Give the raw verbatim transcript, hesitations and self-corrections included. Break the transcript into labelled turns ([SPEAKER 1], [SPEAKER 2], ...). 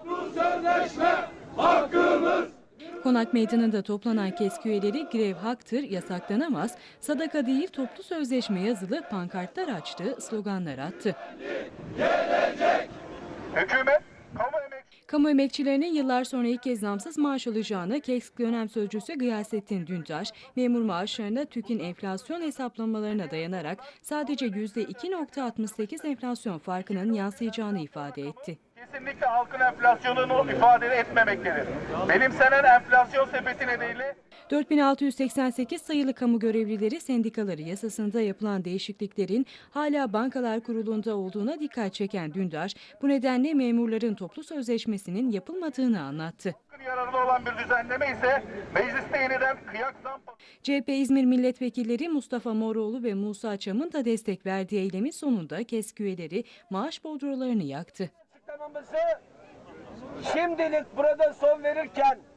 [SPEAKER 1] Bu sözleşme hakkımız.
[SPEAKER 2] Konak Meydanı'nda toplanan KESK üyeleri grev haktır, yasaklanamaz, sadaka değil toplu sözleşme yazılı pankartlar açtı, sloganlar attı.
[SPEAKER 1] Gelecek.
[SPEAKER 3] Hükümet, kamu emek
[SPEAKER 2] Kamu emekçilerinin yıllar sonra ilk kez zamsız maaş alacağını KESK dönem sözcüsü Gıyasettin Dündaş, memur maaşlarında TÜİK'in enflasyon hesaplamalarına dayanarak sadece yüzde iki virgül altmış sekiz enflasyon farkının yansıyacağını ifade etti.
[SPEAKER 3] kesinlikle halkın enflasyonunu ifade etmemektedir. Benimsenen enflasyon sepeti nedeniyle
[SPEAKER 2] dört bin altı yüz seksen sekiz sayılı kamu görevlileri sendikaları yasasında yapılan değişikliklerin hala Bankalar Kurulu'nda olduğuna dikkat çeken Dündaş, bu nedenle memurların toplu sözleşmesinin yapılmadığını anlattı.
[SPEAKER 3] yararlı olan bir düzenleme ise mecliste yeniden kıyak zam.
[SPEAKER 2] C H P İzmir Milletvekilleri Mustafa Moroğlu ve Musa Çam'ın da destek verdiği eylemin sonunda KESK üyeleri maaş bordrolarını yaktı.
[SPEAKER 4] Açıklamamızı şimdilik burada son verirken